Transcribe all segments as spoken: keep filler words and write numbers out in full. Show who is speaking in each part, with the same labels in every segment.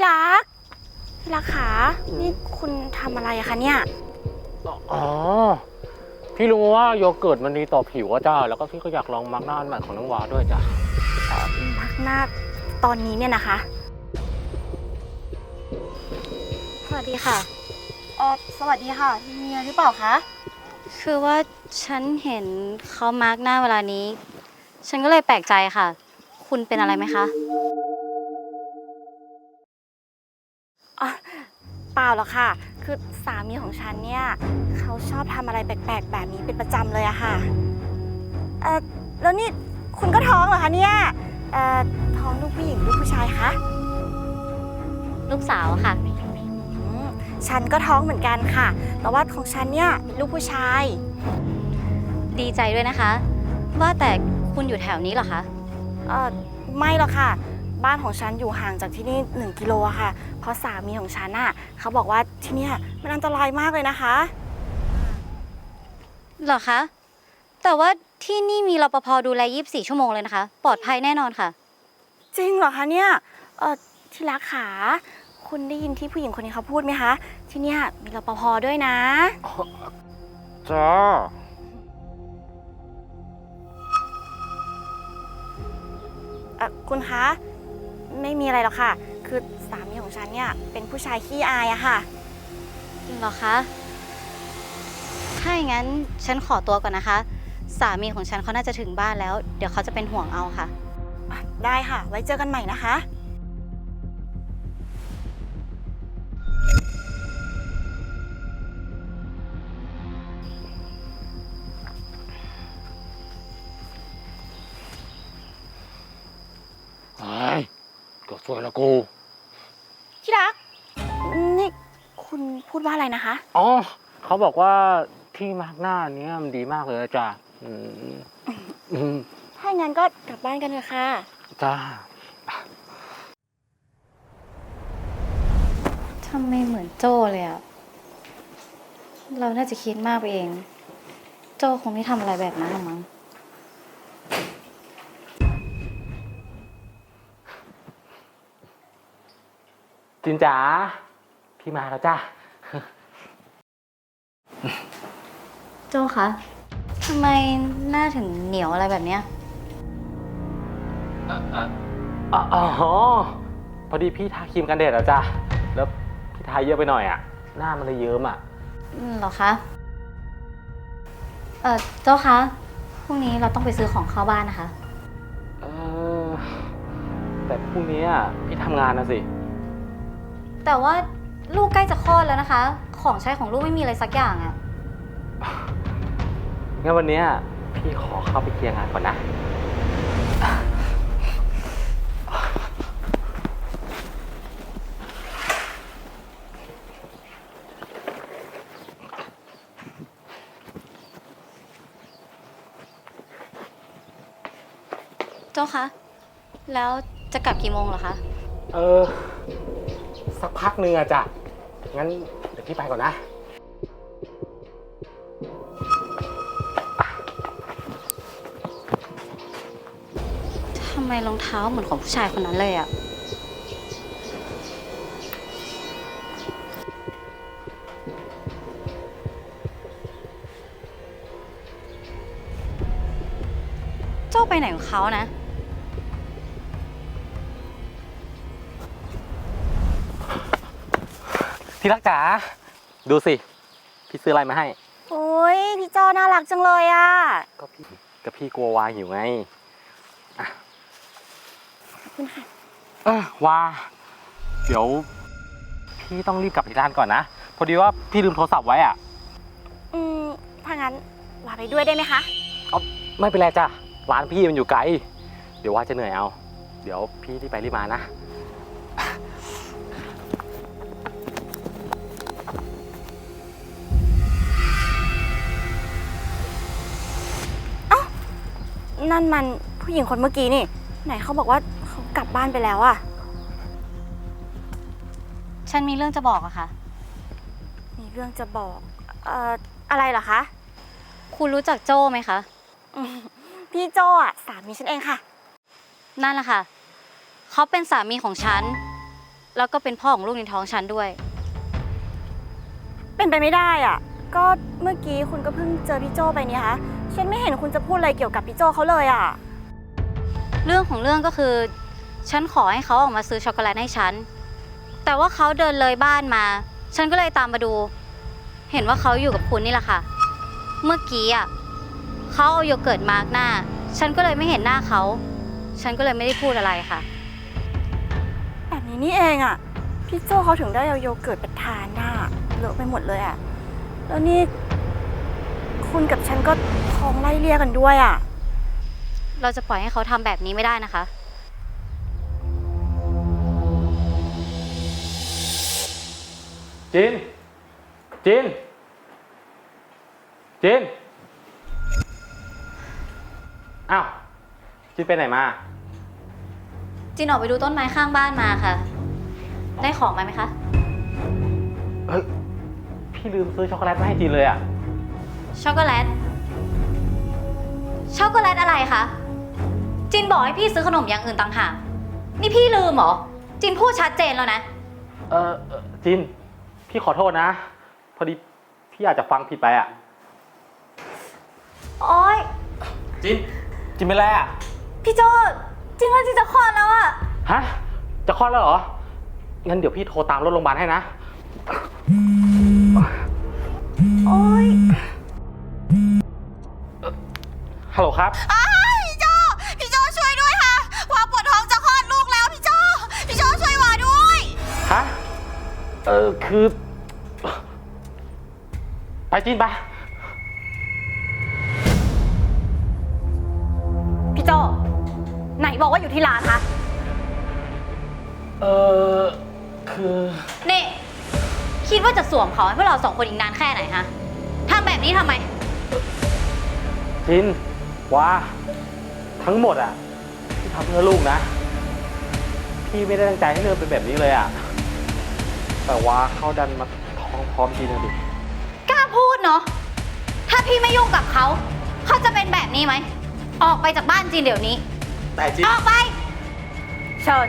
Speaker 1: รักที่รักขานี่คุณทำอะไรอะคะเนี่ย
Speaker 2: อ๋อพี่รู้ว่าโยเกิร์ตมันดีต่อผิวอะจ้าแล้วก็พี่ก็อยากลองมาร์กหน้าอันใหม่ของน้องวาด้วยจ้ะ
Speaker 1: พักหน้าตอนนี้เนี่ยนะคะสวัสดีค่ะเออสวัสดีค่ะมีอะไรหรือเปล่าคะ
Speaker 3: คือว่าฉันเห็นเขามาร์กหน้าเวลานี้ ฉันก็เลยแปลกใจค่ะ คุณเป็นอะไรไหมคะ
Speaker 1: อ๋อเปล่าหรอกค่ะคือสามีของฉันเนี่ยเขาชอบทำอะไรแปลกๆแบบนี้เป็นประจำเลยอะค่ะเออแล้วนี่คุณก็ท้องเหรอคะเนี่ยเอ่อท้องลูกผู้หญิงลูกผู้ชายคะ
Speaker 3: ลูกสาวค่ะ
Speaker 1: อืมฉันก็ท้องเหมือนกันค่ะ แต่ว่าของฉันเนี่ยเป็นลูกผู้ชาย
Speaker 3: ดีใจด้วยนะคะ ว่าแต่คุณอยู่แถวนี้เหรอคะ
Speaker 1: เออไม่หรอกค่ะ บ้านของฉันอยู่ห่างจากที่นี่หนึ่งกิโลอะค่ะ เพราะสามีของฉันอะเขาบอกว่าที่เนี่ยมันอันตรายมากเลยนะคะ
Speaker 3: เหรอคะ แต่ว่าที่นี่มีรปภดูแลยี่สิบสี่ชั่วโมงเลยนะคะ ปลอดภัยแน่นอนค่ะ
Speaker 1: จริงเหรอคะเนี่ยเออที่รักขาคุณได้ยินที่ผู้หญิงคนนี้เขาพูดไหมคะ ที่เนี่ยมีรปภด้วยนะ
Speaker 2: จ้า
Speaker 1: เออคุณคะ ไม่มีอะไรหรอกค่ะ คือสามีของฉันเนี่ยเป็นผู้ชายขี้อายอะค่ะ
Speaker 3: เหรอคะ ถ้าอย่างนั้นฉันขอตัวก่อนนะคะ สามีของฉันเขาน่าจะถึงบ้านแล้ว เดี๋ยวเขาจะเป็นห่วงเอาค่ะ
Speaker 1: ได้ค่ะ ไว้เจอกันใหม่นะคะ
Speaker 2: ไอ้ก็สวยละกู
Speaker 1: ที่รัก นี่คุณพูดว่าอะไรนะคะ
Speaker 2: อ๋อเขาบอกว่าที่มาร์กหน้าเนี้ยมันดีมากเลยจ้ะอืมอืม
Speaker 1: ถ้าอย่างนั้นก็กลับบ้านกันเถอะค่ะ
Speaker 2: จ้า
Speaker 3: ทำไมเหมือนโจ้เลยอะเราน่าจะคิดมากไปเอง โจ้คงไม่ทำอะไรแบบนั้นหรอกมั้ง
Speaker 2: จินจ๋าพี่มาแล้วจ้า
Speaker 3: โจ้คะ ทำไมหน้าถึงเหนียวอะไรแบบเนี้ย
Speaker 2: อ๋อพอดีพี่ทาครีมกันแดดแล้วจ้ะแล้วพี่ทาเยอะไปหน่อยอ่ะ หน้ามันเลยเยิ้มอ่ะ
Speaker 3: อืมเหรอคะ เออโจ้คะ พรุ่งนี้เราต้องไปซื้อของเข้าบ้านนะคะ
Speaker 2: เออแต่พรุ่งนี้อ่ะพี่ทำงานนะสิ
Speaker 3: แต่ว่าลูกใกล้จะคลอดแล้วนะคะ ของใช้ของลูกไม่มีอะไรสักอย่างอะ
Speaker 2: งั้นวันนี้พี่ขอเข้าไปเคลียร์งานก่อนนะ
Speaker 3: โจ้คะ แล้วจะกลับกี่โมงเหรอคะ
Speaker 2: เออ สักพักหนึ่งอะจ้ะ งั้นเดี๋ยวพี่ไปก่อนนะ
Speaker 3: ทำไมรองเท้าเหมือนของผู้ชายคนนั้นเลยอะโจ้ไปไหนของเขานะ
Speaker 2: ที่รักจ๋า ดูสิ พี่ซื้ออะไรมาให้
Speaker 1: โอ้ยพี่จอน่ารักจังเลยอะ
Speaker 2: ก็พี่ก็พี่กลัววาหิวไงอ่ะ
Speaker 1: ขอบคุณค่ะ
Speaker 2: เออวา เดี๋ยว พี่ต้องรีบกลับที่ร้านก่อนนะ พอดีว่าพี่ลืมโทรศัพท์ไว้อ่ะ
Speaker 1: อืม ถ้างั้นวาไปด้วยได้ไหมคะ
Speaker 2: เอาไม่เป็นไรจ้ะ ร้านพี่มันอยู่ไกล เดี๋ยวว่าจะเหนื่อยเอา เดี๋ยวพี่รีบไปรีบมานะ
Speaker 1: นั่นมันผู้หญิงคนเมื่อกี้นี่ ไหนเขาบอกว่าเขากลับบ้านไปแล้วอะ
Speaker 3: ฉันมีเรื่องจะบอกอะค่ะ
Speaker 1: มีเรื่องจะบอก เอ่อ อะไรเหรอคะ
Speaker 3: คุณรู้จักโจ้ไหมคะ
Speaker 1: อืมพี่โจอะสามีฉันเองค่ะ
Speaker 3: นั่นแหละค่ะ เขาเป็นสามีของฉันแล้วก็เป็นพ่อของลูกในท้องฉันด้วย
Speaker 1: เป็นไปไม่ได้อ่ะ ก็เมื่อกี้คุณก็เพิ่งเจอพี่โจไปนี่คะฉันไม่เห็นคุณจะพูดอะไรเกี่ยวกับพี่โจเขาเลยอ่ะ
Speaker 3: เรื่องของเรื่องก็คือ ฉันขอให้เขาออกมาซื้อช็อกโกแลตให้ฉัน แต่ว่าเขาเดินเลยบ้านมา ฉันก็เลยตามมาดู เห็นว่าเขาอยู่กับคุณนี่แหละค่ะ เมื่อกี้อ่ะเขาเอาโยเกิร์ตมาร์กหน้า ฉันก็เลยไม่เห็นหน้าเขา ฉันก็เลยไม่ได้พูดอะไรค่ะ
Speaker 1: แบบนี้นี่เองอ่ะ พี่โจเขาถึงได้เอาโยเกิร์ตไปทานหน้าเลอะไปหมดเลยอ่ะ แล้วนี่ คุณกับฉันก็ท้องไล่เลี่ยกันด้วยอ่ะ
Speaker 3: เราจะปล่อยให้เขาทำแบบนี้ไม่ได้นะคะ
Speaker 2: จิน จิน จิน อ้าว จินไปไหนมา
Speaker 3: จินออกไปดูต้นไม้ข้างบ้านมาค่ะ ได้ของมาไหมคะ
Speaker 2: เฮ้ย พี่ลืมซื้อช็อกโกแลตมาให้จินเลยอะ
Speaker 3: ช็อกโกแลต ช็อกโกแลตอะไรคะ จินบอกให้พี่ซื้อขนมอย่างอื่นต่างหาก นี่พี่ลืมเหรอ จินพูดชัดเจนแล้วนะ
Speaker 2: เออเอ่อจิน พี่ขอโทษนะ พอดีพี่อาจจะฟังผิดไปอะ
Speaker 1: โอ๊ย
Speaker 2: จิน จินเป็นไรอะ
Speaker 1: พี่โจจริงว่าจินจะคลอดแล้วอ่ะ
Speaker 2: ฮะ จะคลอดแล้วเหรอ งั้นเดี๋ยวพี่โทรตามรถโรงพยาบาลให้นะ
Speaker 1: โอ๊ย
Speaker 2: ฮัลโหลครับ
Speaker 1: พี่โจพี่โจช่วยด้วยค่ะวาปวดท้องจะคลอดลูกแล้วพี่โจพี่โจช่วยวาด้วย
Speaker 2: ฮะ เออ คือ ไปจินไป
Speaker 1: พี่โจไหนบอกว่าอยู่ที่ร้านคะ
Speaker 2: เออ คือ
Speaker 3: นี่ คิดว่าจะสวมเขาให้พวกเราสองคนอีกนานแค่ไหนฮะทำแบบนี้ทำไม
Speaker 2: จินว่าทั้งหมดอ่ะพี่ทำเพื่อลูกนะ พี่ไม่ได้ตั้งใจให้เธอเป็นแบบนี้เลยอ่ะ แต่ว่าเขาดันมาท้องพร้อมจินนะดิ
Speaker 3: กล้าพูดเนาะ ถ้าพี่ไม่ยุ่งกับเขา เขาจะเป็นแบบนี้ไหม ออกไปจากบ้านจินเดี๋ยวนี้
Speaker 2: แต่จิน
Speaker 3: ออกไป
Speaker 1: เชิญ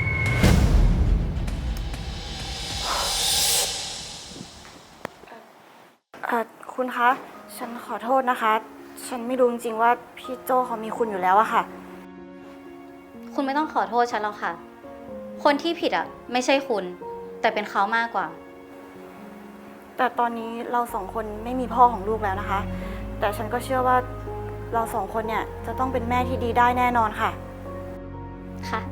Speaker 1: เอ่อ คุณคะ ฉันขอโทษนะคะ ฉันไม่รู้จริงๆว่าพี่โจเขามีคุณอยู่แล้วอะค่ะ
Speaker 3: คุณไม่ต้องขอโทษฉันหรอกค่ะ คนที่ผิดอ่ะ ไม่ใช่คุณ แต่เป็นเขามากกว่า
Speaker 1: แต่ตอนนี้เราสองคนไม่มีพ่อของลูกแล้วนะคะ แต่ฉันก็เชื่อว่าเราสองคนเนี่ยจะต้องเป็นแม่ที่ดีได้แน่นอนค่ะ
Speaker 3: ค่ะ